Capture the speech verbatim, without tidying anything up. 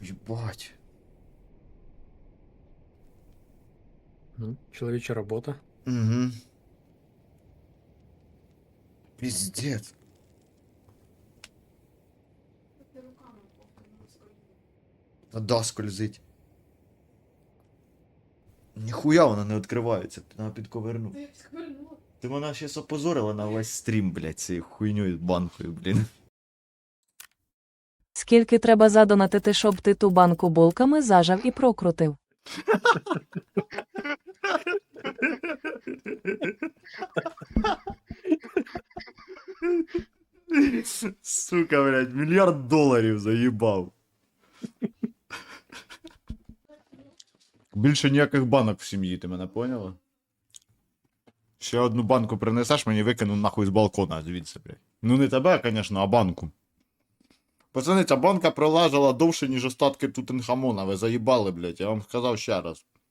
Ебать. Ну, чоловіча робота. Угу. Пиздец. Та да, скользить. Ніхуя вона не відкривається, треба підковернути. Ти мене щас опозорила на весь стрім, блядь, цією хуйньою банкою, блін. Скільки треба задонатити, щоб ти ту банку булками зажав і прокрутив? Сука, блядь, мільярд доларів заїбав. Більше ніяких банок в сім'ї, ти мене поняла? Ще одну банку принесеш, мені викину нахуй з балкона звідси, блядь. Ну не тебе, звісно, а банку. Пацани, ця банка пролежала довше, ніж остатки Тутанхамона. Ви заїбали, блядь, я вам сказав ще раз.